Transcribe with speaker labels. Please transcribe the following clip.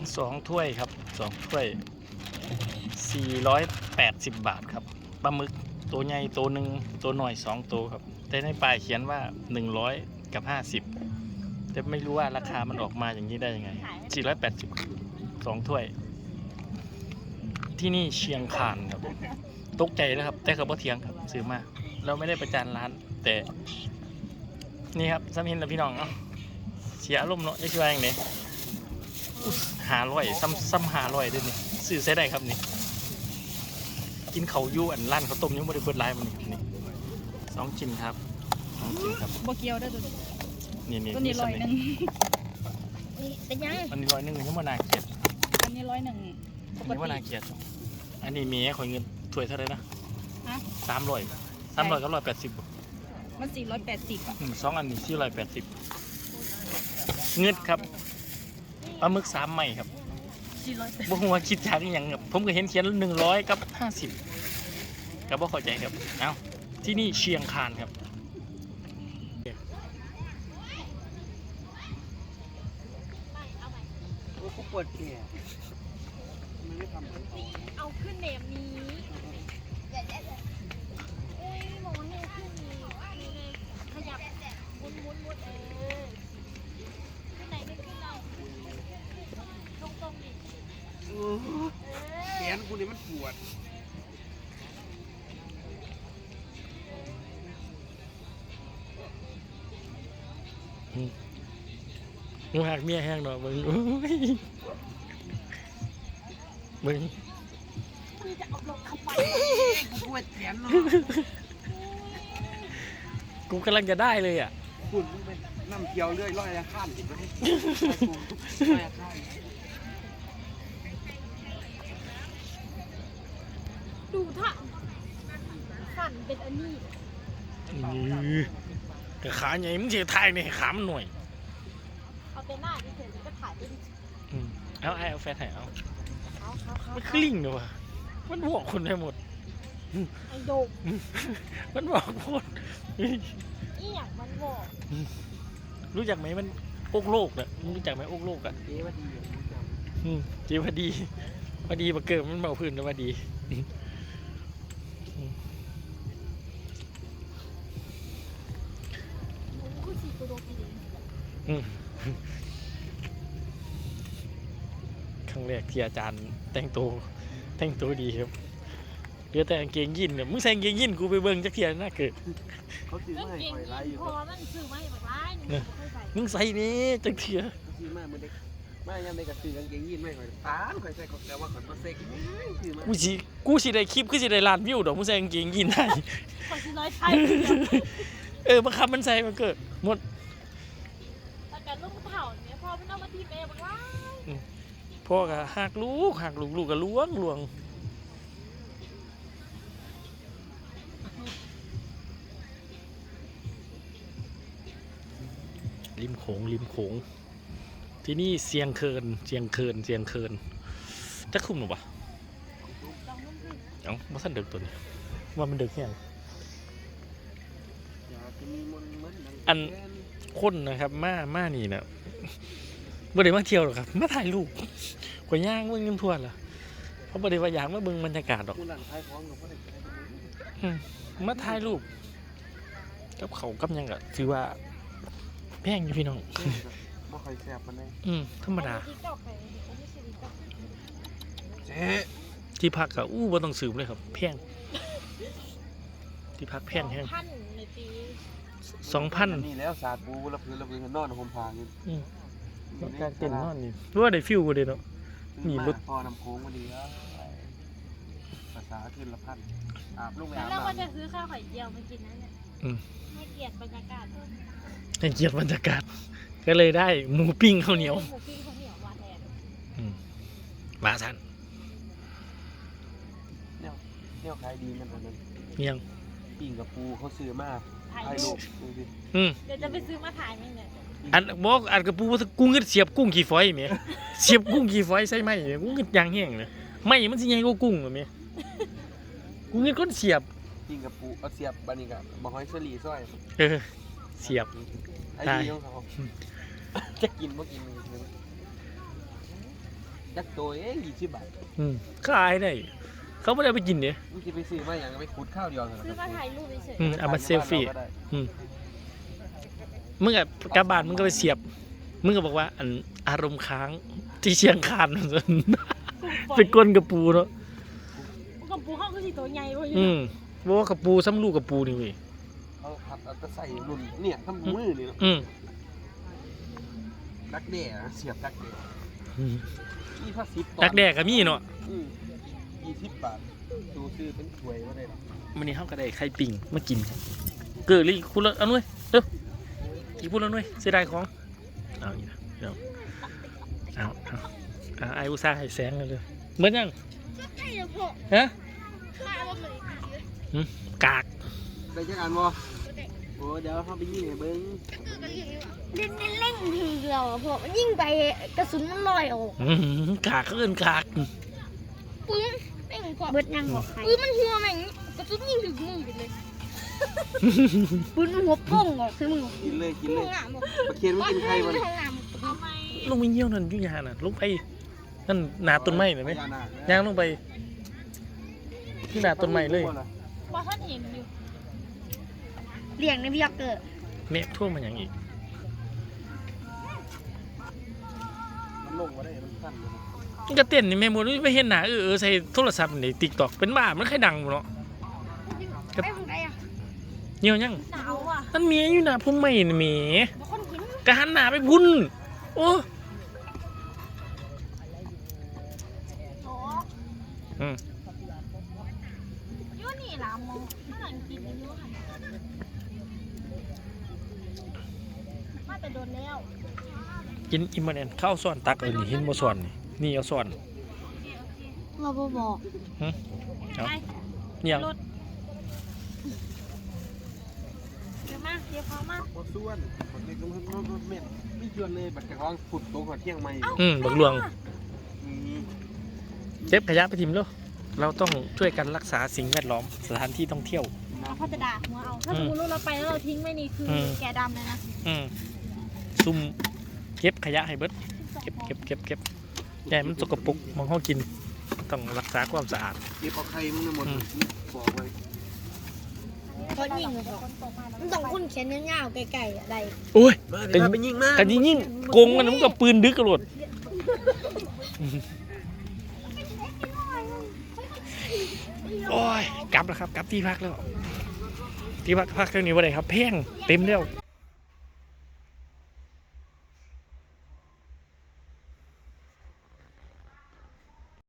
Speaker 1: 2 ถ้วยครับ2 ถ้วย480 บาทครับปลาหมึกตัวใหญ่ตัวหนึ่งตัวหน่อย2 ตัวครับแต่ในป้ายเขียนว่า100กับ50แต่ไม่รู้ว่าราคามันออกมาอย่างนี้ได้ยังไง480 2 ถ้วยที่นี่เชียงคานครับตกใจนะครับแต่เขาบ่เถียงครับซื้อมาเราไม่ได้ประจานร้านแต่นี่ครับซ้ำเห็นแล้วพี่น้องเนาะเสียอารมณ์เนาะจะช่วยยังไง500ซ้ำ500ด้วยนี่ซื้อใช้ได้ครับนี่กินเขายู่อันร้านเขาต้มยังไม่ได้เปิดไลน์มันนี่2 ชิ้นครับ2 ชิ้นครับ
Speaker 2: บ่เกียวได้ตัวนี้
Speaker 1: นี่
Speaker 2: ตัวนี้100นี่เป็นยัง
Speaker 1: อันนี้100ยังไม่น่าเกลียด
Speaker 2: อันนี้100ป
Speaker 1: อัน
Speaker 2: ก
Speaker 1: นี้ว่า
Speaker 2: ติ
Speaker 1: น่าเกลียดอันนี้มีขอเงินถ้วยเท่าไหร่นะ
Speaker 2: ฮะ
Speaker 1: 300กับ180
Speaker 2: มัน480อ่ะ
Speaker 1: 2 อันนี้480เงินครับปลาหมึก3 ใหม่ครับ
Speaker 2: 480
Speaker 1: บ่ฮู้ว่าคิดจากอหยังครับผมก็เห็นเขียน100กับ50ก็บ่เข้าใจครับเอ้าที่นี่เชียงคานครับ
Speaker 3: เขาปวดแขนมันไม่ทำเหมือนเขา
Speaker 4: เอาขึ้นเนมนี้เอ้ยมองให้ขึ้นนี้ขยับมุนขึ้นไหนไม่ขึ้นเราตรงดิ
Speaker 3: แขนกูนี่มันปวด
Speaker 1: งูหักเมียแห้งดอกมึงโอ้ยมึง
Speaker 4: คือจะเอาลงเข้าไป
Speaker 3: กูปวดแขนเนาะ
Speaker 1: กูกำลังจะได้เลยอ่ะ
Speaker 3: คุณมึงเป็นน้ำเคียวเรื่อยร้อยละข้ามอีกไหมร้อยละข้าม
Speaker 4: ดูท่าสั่นเป็นอันนี้
Speaker 1: กระขาใหญ่มึงเสียทายเนี่ยขามันหน่วย
Speaker 4: เอาแต่หน้าที่เฉยก็ถ่ายเป็น
Speaker 1: เอาแฟนถ่ายเอา
Speaker 4: เขา
Speaker 1: มันคลิ่งเลยวะมันบอกคนได้หมด
Speaker 4: ไอ้โดก
Speaker 1: มันบอกหมด
Speaker 4: อีหยังมันบอก
Speaker 1: รู้จักไหมมันอกโลกเนี่ยมึงรู้จักไหมอกโลกอ่ะ
Speaker 3: เจ๊ว่าดีอยู่กูจำ
Speaker 1: จีพอดีมาเกิดมันเบาพื้นแล้วพอดี
Speaker 4: มึงคือสีตัวโดกดี
Speaker 1: ครั้งแรกที่อาจารย์แต่งตัวดีครับเหลือแต่กางเกงยีนเนี่ยมึงใส่กางเกงยีนกูไปเบิ่งจักเทียน่าเกิด
Speaker 3: เขาซื้อ
Speaker 4: เรื่อง
Speaker 3: มาให้
Speaker 4: เก่ง
Speaker 3: คอยไล่อยู่
Speaker 4: พ
Speaker 3: ค
Speaker 4: อ
Speaker 3: รับ
Speaker 4: มันซื้อมาให้แบบร้ายนี่ไม่ใส่
Speaker 1: มึงใส่นี่จักเทีย
Speaker 3: ซื้อมาเมื่อเด็กมายังไม่กระซื้อกางเกงยีนไม่คอยตามคอยใส่ของแล้วว่าคอยมาเซ็กซื้อมา
Speaker 1: กูสิได้คลิปคือสิได้ล้านวิวดอกมึงใส่กางเกงยีนได้
Speaker 4: ขอสิน้อยไทย
Speaker 1: บังคับมันใส่มาเกิดหมด
Speaker 4: แต่การลูกเผาเนี่ยพอมันเอามาทีเมย์บอกว่า
Speaker 1: พ่อก็หักลูกก็ล้วงริมโขงที่นี่เสียงเคินจะคุ้มหรือเปล่า
Speaker 4: ลองนุ่มขึ้น
Speaker 1: เอ้าว่าท่านเด็กตัวนี้ว่ามันเด็กแค่ไหน
Speaker 3: อยากจะมีมนต์เหมือนดัง
Speaker 1: อัน คนนะครับมานี่นะบ่ได้มาเที่ยวหรอกครับมาถ่ายรูปกว่าย่างเบิ่งกันทั่วล่ะเพราะบ่ได้ว่าอยากมาเบิ่งบรรยากาศหรอก
Speaker 3: กูหลังท้ายท้องกับพ่อเด็ก
Speaker 1: มาถ่ายรูปกับเขากับหยังก็ถือว่าแพงอยู่พี่น้อง
Speaker 3: บ่ค่อยแซ่บมันเลย
Speaker 1: ธรรมดา
Speaker 4: ติ๊กต็อกไปไม่ใช่ติ๊กต็อก
Speaker 3: เจ๊
Speaker 1: ที่พักก็บ่ต้องสืบเลยครับแพงที่พักแพงแฮง
Speaker 4: พันในปี
Speaker 1: 2,000
Speaker 3: นี่แล้วสาดปูละพื้นนอนห่มผ้าอยู่
Speaker 1: การเต้นนอนนี่ว่าได้ฟิลบ่ได้เนาะ มีรถ
Speaker 3: พอน้ำโค้งพอดีแล้วภาษาขึ้นละพันอาบลูกไปอาบ
Speaker 4: แล้วว่าจะ
Speaker 3: น้ำ
Speaker 4: ซื้อข้าวไข่เจียวมากินนั่นแหละให้เกียรติบรรยากาศ
Speaker 1: ให้เกียรติบรรยากาศก็เลยได้หมูปิ้งข้าวเหนียว
Speaker 4: หมูปิ้งข้าวเหนียวหวานแทน
Speaker 1: ว่าซั่น
Speaker 3: เนี่ยขายดีมันอันนั้น
Speaker 1: เมียง
Speaker 3: ปิ้งกับปูเขาซื้อมา
Speaker 4: ถ่าย
Speaker 3: ถ่าย
Speaker 4: รู
Speaker 3: รู
Speaker 4: ป
Speaker 3: ปดูสิ
Speaker 4: เดี๋ยวจะไปซื้อมาถ่ายมั้งเนี่ย
Speaker 1: อันบอกอันกระปูว่ากูเงิดเสียบกุ้งขี้ฝอยแหมเสียบกุ้งขี้ฝอยใส่ไม้แหมกูเงิดยางแห้งเลยไม้มันสิใหญ่กว่ากุ้งแหมกูเงิดก้นเสียบ
Speaker 3: ปิ้งกับปูเอาเสียบบันนี้กับบะฮอยเสลีซอย
Speaker 1: เสียบ
Speaker 3: ไอ้ดีของเขาจะกินบ่กินจักตัวเอง20 บาท
Speaker 1: ขายได้เขาไม่ได้ไปกินเนี่ย
Speaker 3: มึงสิไปซื้อมาอย่างไปขุดข้าวเดียวเหรอ
Speaker 4: ซื้อมาถ่ายรูปเฉย
Speaker 1: เอามาเซลฟี่มึงกับกลับบ้านมึงก็ไปเสียบมึงก็บอกว่าอันอารมณ์ค้างที่เชียงคาน เป็นก้นกระปูเนาะ
Speaker 2: กับปูเข้าก็สิตัวใหญ่เว้ย
Speaker 1: บอกว่ากระปูซ้ำลูกกระปูนี่เว้ย
Speaker 3: เอาผัดเอาตะใส่รุ่นเนี่ยทำมือนี่เนาะดักแด่เสียบดักแด่นี่ถ้า10
Speaker 1: ดักแดกก็มีเนาะ
Speaker 3: 20 บาทดูซื้อเป็นถ้วยมาได้
Speaker 1: มันนี่เฮาก็ได้ไข่ปิ่งมากินครับเกิดเลยคุณละเอาหน่วยเร็วอีกพูดแล้วหน่วยเสียดายของเอาอีกนะเดี๋ยวเอาไอ้อุตส่าห์ให้แสงเลยเหมือนยัง
Speaker 4: ๆใช่แล้วพ่อ
Speaker 1: ฮะ
Speaker 4: ข้าวมันเลย
Speaker 1: กาก
Speaker 3: ได้จักอันบ่โอ้เดี๋ยวเฮาไปยิงให้เบิ่ง
Speaker 4: เล่นเล่งทีเดียวพ่อมันยิ่งไปกระสุนมันลอยออก
Speaker 1: กากเขาเอิ้นกาก
Speaker 4: ปืนแม่งพ่อเบิดยังบอกปืนมันหัวแม่งกระสุนยิงถึงมือไปเลยปืนมันหัวป้องออกคือมึง
Speaker 3: กินเลย
Speaker 4: ห้องน้ำบอก
Speaker 3: ปลาเค็มมันกินไข่บ่
Speaker 4: ห้องน้ำ
Speaker 1: ลงไปเยี่ยวนั่นอยุ่ยาน่ะลงไปนั่นหนาต้นไม้เลยไหม
Speaker 3: พญานาค
Speaker 1: ย่างลงไปที่หนาต้นไม้เลย
Speaker 2: ว่าท่านเห็นอยู่
Speaker 4: เลี้ยงในพี่ยักษ์เกิด
Speaker 1: เมฆท่วมมาอย่างอีก
Speaker 3: มันลงบ่ได้มันสั้นเลย
Speaker 1: มันก็เต้นนี่แม่หมดไม่เห็นหนาใส่โทรศัพท์ในติ๊กต็อกเป็นบ้ามันใครดังเนาะ
Speaker 4: ไปทางไหนอ่ะ
Speaker 1: เหี่ยวยัง
Speaker 2: หนาวอ่ะ
Speaker 1: นั่นเมียอยู่หนาพุ่มไม่นี่เมีย
Speaker 2: บางคนกิน
Speaker 1: กะหันหนาไปพุ่นโอ้
Speaker 2: โอ้
Speaker 1: อืม
Speaker 2: ยุ่นี่ล่ะมองข้างหลังกินอยู่ค่ะมาแต่โดนแล้ว
Speaker 1: กินอิมเมอร์เนนข้าวซ้อนตักนี่เห็นบ่ซ้อนนี่เอาซ้อน
Speaker 4: เราบอก
Speaker 1: เอาเนี่ย
Speaker 2: รถเดี๋ยวมาเดี๋ยวพอมา
Speaker 3: บ่ส่วนคนนี้ก็มันเม็ดไม่ชวนเลยบัดกระท้องฝุ่นตกหัวเที่ยงใหม่
Speaker 1: บักหลวง
Speaker 3: อืม
Speaker 1: เก็บขยะไปทิมแล้วเราต้องช่วยกันรักษาสิ่งแวดล้อมสถานที่ท่องเที่ยว
Speaker 2: เขาจะด่าหัวเอาถ้าสมมติเราไปแล้วเราทิ้งไว้นี่คือแกดำเลยนะ
Speaker 1: ซุ่มเก็บขยะให้เบิดเก็บใหญ่มันสกปรกมองห้องกินต้องรักษาความสะอาด
Speaker 3: เก็บเอาไข่มึงทั้งหมดบอกไว้
Speaker 4: เขายิงเหรอมันต้องคุ้นเขียนยาวๆไกลๆอะไร
Speaker 1: โอ้ย
Speaker 3: เดี๋ยวไปยิงมา
Speaker 1: กันยิ่งโกงมันมันก็ปืนดึกกระโดดโอ้ยกลับแล้วครับกลับที่พักแล้วที่พักเรื่องนี้ว่าไรครับแพงเต็มแล้ว